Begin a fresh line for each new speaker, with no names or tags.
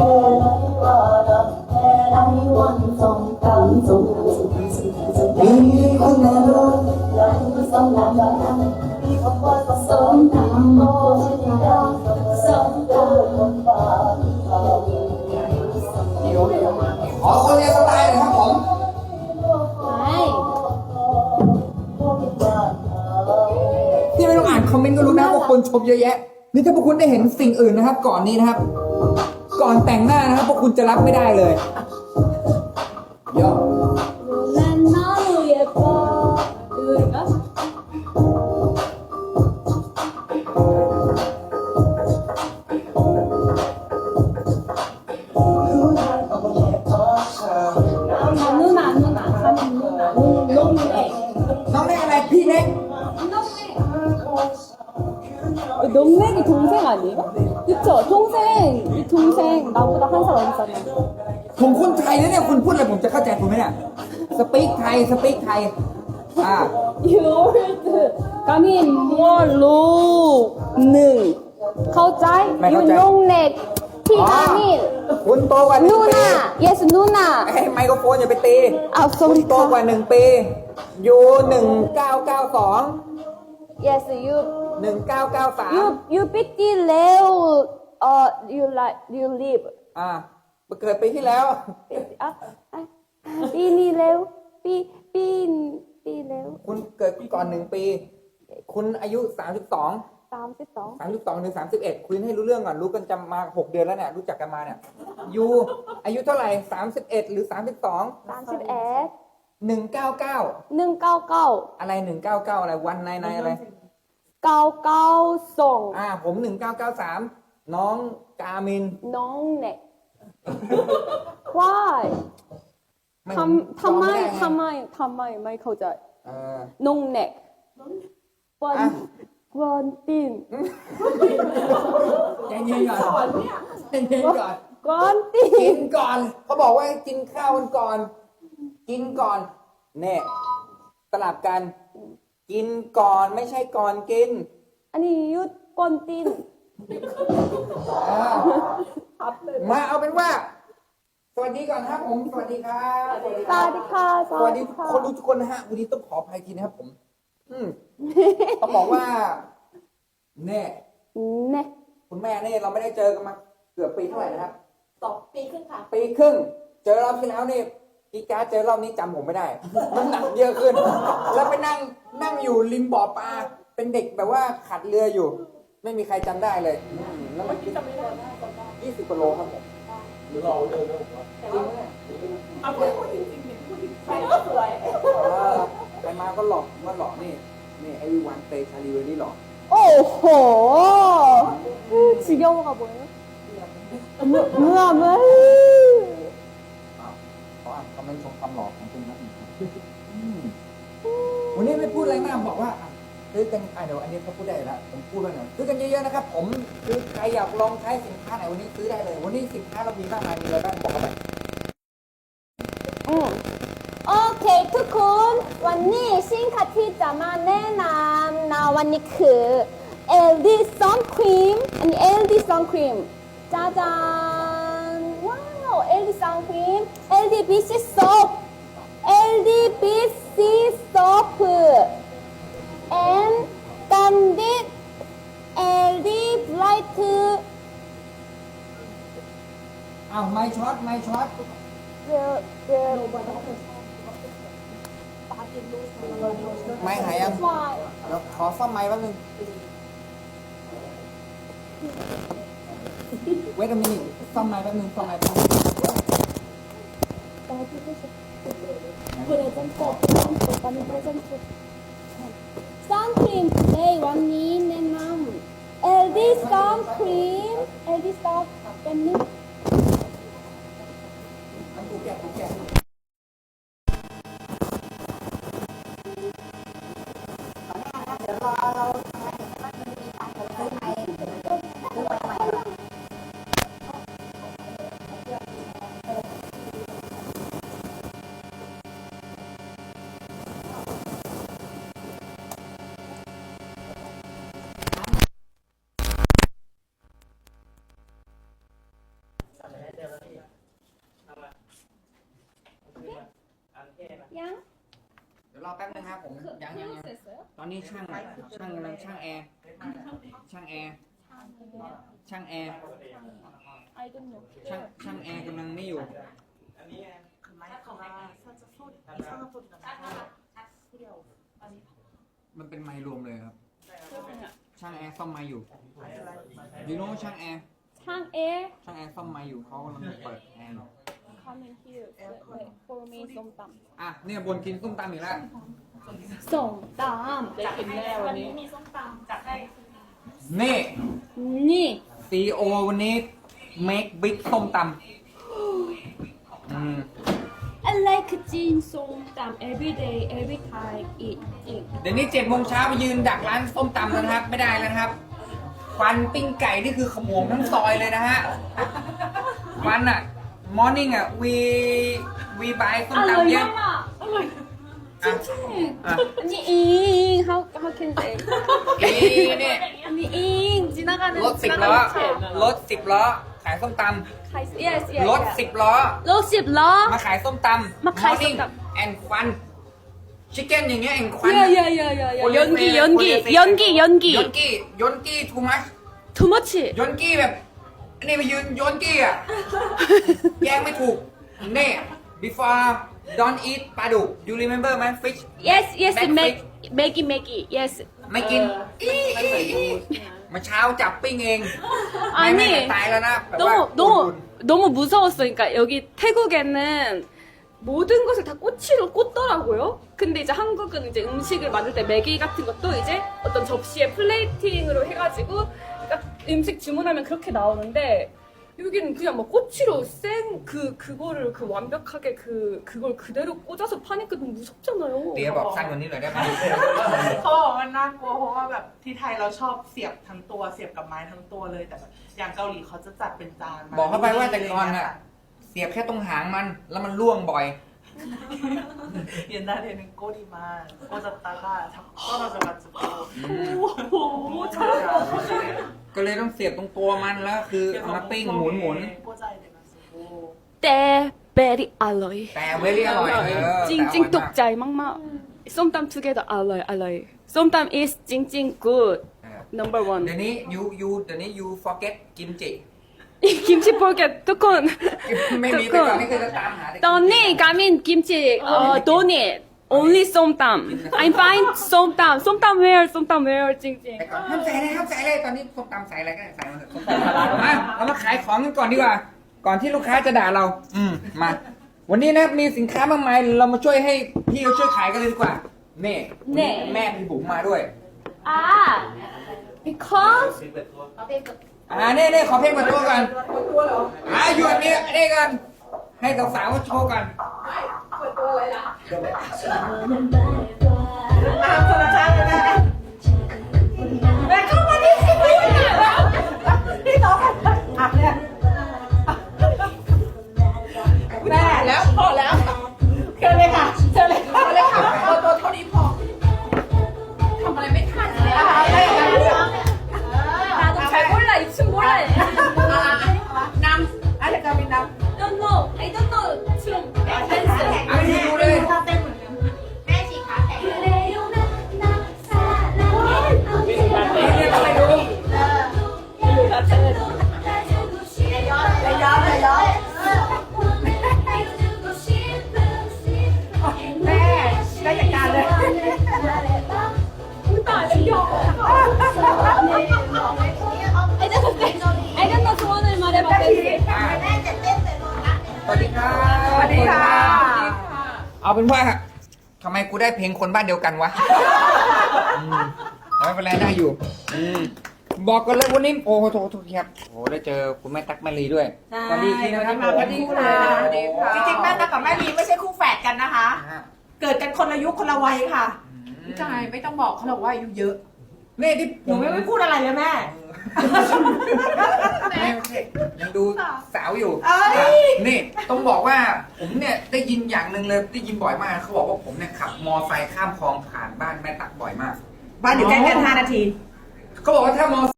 ขอคนเรียนสไตล์หน่อยครับผม ที่ไม่ต้องอ่านคอมเมนต์ก็รู้นะว่าคนชมเยอะแยะนี่ถ้าพวกคุณได้เห็นสิ่งอื่นนะครับ ก่อนนี้นะครับ ก่อนแต่งหน้านะครับพวกคุณจะรับไม่ได้เลยเยอะน้องเล็กอะไรพี่เล็ก
농맥이 동생 아니에요? 그쵸? 이 동생 나보다 한 살 어리잖아요.
ผมคนไทยนะเนี่ยคุณพูดอะไรผมจะเข้าใจคุณไหมเนี่ยสปีกไทย
You old 가민 뭘로 능เข้าใจ You 농맥 피 가민
คุณโตกว่า1 ปี
누나 Yes 누나
ให้ไมโครโฟนอย่าไปตี
아
คุณ
sorry
โตกว่า1 ปีอยู่1992
Yes you
1993
You 삐띠 레오 You like you live
เกิดปีที่แล้ว
삐니 레오 삐 레오
คุณเกิดก่อน1 ปี คุณอายุ32
32
ถึง31คุยให้รู้เรื่องก่อนรู้กันจะมา6 เดือนแล้วเนี่ยรู้จักกันมาเนี่ยยูอายุเท่าไหร่31หรือ32
31
199
199
อะไร199อะไรวันในอะไร
992
ผม1993น้องกามิน
농넥 Why ทำไมไม่เข้าใจ 농넥 원틴
ใจเย็นก่อนใจเย็นก่อน
원틴
กินก่อนเขาบอกว่าให้กินข้าวกันก่อนกินก่อนเนี่ยสลับกันกินก่อนไม่ใช่ก่อนกิน
아니 유 원틴
มาเอาเป็นว่าสวัสดีก่อนครับผมสวัสดีครับ
사디카
สวัสดีคนรู้ทุกคนนะฮะวันนี้ต้องขออภัยทีนะครับผมต้องบอกว่าเนี่ย
네
คุณแม่เนี่ยเราไม่ได้เจอกันมาเกือบปีเท่าไหร่นะครับ
2 ปีครึ่งค่ะ
ปีครึ่งเจอรอบที่แล้วนี่พี่การ์ดเจอรอบนี้จำผมไม่ได้น้ำหนักเยอะขึ้น แล้วไปนั่งอยู่ริมบ่อปลาเป็นเด็กแบบว่าขัดเรืออยู่ ไม่มีใครจำได้เลยแล้วมัน
จำไม่ได้
20 กว่าโลครับผม
หรือเราเดินแล้วผมว่า
จริงไหม
เอาพูดจริงๆพูดจริงๆใครก็สวย
ไปมาก็หลอกนี่ไอ้วันเตชาลีเวอรี่หลอก
오호 지겨워가 뭐예요? 뭐야
เขาอ่านคอมเมนต์ชมความหล่อของคุณนะวันนี้ไม่พูดอะไรมากบอกว่าซื้อกันเดี๋ยวอันนี้เขาพูดได้แล้วผมพูดแล้วนะซื้อกันเยอะๆนะครับผมคือใครอยากลองใช้สินค้าไหนวันนี้ซื้อได้เลยวันนี้สินค้าเรามีมากมายมีอะไรบ้างบอกกันหน่อย
โอเคทุกคน วันนี้สินค้าที่จะมาแนะนำนะวันนี้คือ LD Sun Cream อันนี้ LD Sun Cream จ้าจานว้าว LD Sun Cream LD BC Soap LD BC Soap and Candid LD Bright
ไม่ช็อต ไม่หายยังเดี๋ยวขอซ่อมไม้แป๊บนึงเวทมินิซ่อมไม้แป๊บนึง
선크림 today วันนี้แนะนำ LD Sun Cream LD Sun เป็นนึง
กูแกะ
양?
เดี๋ยวรอแป๊บนึงครับผมยัง
됐어요?
ตอนนี้ช่างกำลังช่างแอร์ช่างแอร์
I don't know.
ช่างแอร์กำลังไม่อยู่
그 마이크가 살짝 소리 이상한 소리가 나서 소리가 아니
มันเป็นไมค์รวมเลยครับ
그러면
ช่างแอร์ซ่อมไมค์อยู่ยูโน่ช่างแอร์
창에
ช่างแอร์ซ่อมไมค์อยู่เขากำลังเปิดแอร์อยู่
coming here wait for me 쏨땀
อ่ะเนี่ยบนกินส้มตำอีกแล้ว
쏨땀 네
วัน
김래원이
นี้มีส้มตำจัดให้
นี่
니
ซีโอวันนี้ make big ส้มตำ
I like 찐 쏨땀 every day every time eat
เดี๋ยวนี้7 โมงเช้าไปยืนดักร้านส้มตำแล้วนะครับ ไม่ได้แล้วนะครับควันปิ้งไก่นี่คือขโมงทั้งซอยเลยนะฮะควันอ่ะ morning อ่ะ we buy ส้มตำเยอะ
알로이 알로이
อ่ะ อ่ะ
아니 잉 how can say
นี่เนี่ย
아니 잉 지나가는
รถ10 ล้อ รถ 10 ล้อ ขายส้มต
카이스 yes yes
ำรถ 10 ล้อ
로십 러
มาขายส้มตำ
มาขายส้มตำ
morning and ควันชิคเก้นอย่างเงี้ย and ควัน
야야야야야 연기 연기 연기 연기
ยนกี้ too much
too much
ยนกี้แบบนี่ไปยืนยนกี้อ่ะ แยงไม่ถูกนี่ before don't eat ปลาดุก you remember ไหม fish
yes yes
Back
매기 yes
ไม่กินมาเช้าจับปิ้งเอง
아니
ไม่ตายแล้วนะแบบว่า
너무 무서웠어 그러니까 여기 태국에는 모든 것을 다 꼬치로 꽂더라고요. 근데 이제 한국은 이제 음식을 만들 때 매기 같은 것도 이제 어떤 접시에 플레이팅으로 해가지고 그러니까 음식 주문하면 그렇게 나오는데 여기는 그냥 막 꼬치로 그거를 완벽하게 그걸 그대로 꽂아서 파니까 너무 무섭잖아요.
เตี๋ยบอกสั้นกว่านี้หน่อยได้ไหม
เขาบอกว่าน่ากลัวเพราะว่าแบบที่ไทยเราชอบเสียบทั้งตัวเสียบกับไม้ทั้งตัวเลยแต่แบบอย่างเกาหลีเขาจะจัดเป็นจานม
บอกเข้าไปว่าแต่ก่อนน่ะเสียบแค่ตรงหางมันแล้วมันล่วงบ่อย
옛날에는 꼬리만 꽂았다가 자꾸 떨어져가지고
ก็เลยต้องเสียบตรงตัวมันแล้วคือเอามาปิ้งหมุน
꽂아야 돼가지고
때 베리 알로이
แต่เวลี่อร่อย
찡찡 똑짜이 막막 쏨땀 투게더 알로이 알로이 쏨땀 is 찡찡 good number
เดี๋ยว
one
นี้เดี๋ยวนี้ you forget กิมจิ
김치 포켓 두콘
ไม่มีแต่ก่อนนี่คือจะตามหาแต่
떠니 가민 김치 도니 only 쏨땀 I'm fine 쏨땀 where 쏨땀 where 찡찡
แต่ก่อนห้ามใส่เลยตอนนี้ส้มตำใส่อะไรก็ได้ใส่มาเถอะส้มตำมาเรามาขายของกันก่อนดีกว่า ก่อนที่ลูกค้าจะด่าเรามา วันนี้นะมีสินค้ามากมายเรามาช่วยให้พี่เขาช่วยขายกันเลยดีกว่านี่แม่พี่บุ๋มมาด้วย
아 because
นี่ขอเพลงเปิดตัวก่อนหยุดนี่กันให้สาวๆโชว์กัน
ตามธรรมชาติเลยนะแม่เข้ามาดิพี่น้องอ่ะเนี่ยแม่แล้วพอแล้วเชิญเลยค่ะเชิญเลยค่ะเอาตัวเท่านี้พอทำอะไรไม่ทันเลยนะคะ
나도 잘 몰라 이 춤 몰라
นำอะไรจะมีนำ
don't know I don't know 춤 댄스
เอาไปดูเลย
แม่ฉีกขาแข็ง
그래요 나 사랑해
นี่ทำไมดู
ย้อนแม่ได้จัดการเลย
I don't know 소원을 말해봐 댄스
สวัสดีครับ
สวัสดีค่ะ
เอาเป็นว่าทำไมกูได้เพลงคนบ้านเดียวกันวะแต่ไม่เป็นไรได้อยู่บอกกันเลยวันนี้โอ้โหโทษครับโอ้ได้เจอคุณแม่ตั๊กแมรี่ด้วยสวัสดีนะครับ
สวัสดีค่ะจริงๆแม่ตั๊กกับแม่ลีไม่ใช่คู่แฝดกันนะคะ เกิดกันคนละยุคคนละวัยค่ะใช่ไม่ต้องบอกเขาหรอกว่าอายุเยอะ
นี่ที่
หนูไม่พูดอะไรเลยแม่
ไม่ใช่ยังดูสาวอยู่
เอ้ย
นี่ต้องบอกว่าผมเนี่ยได้ยินอย่างหนึ่งเลยได้ยินบ่อยมากเขาบอกว่าผมเนี่ยขับมอไซค์ข้ามคลองผ่านบ้านแม่ตั๊กบ่อยมาก
บ้านอยู่ใกล้กัน5 นาที
เขาบอกว่าถ้ามอ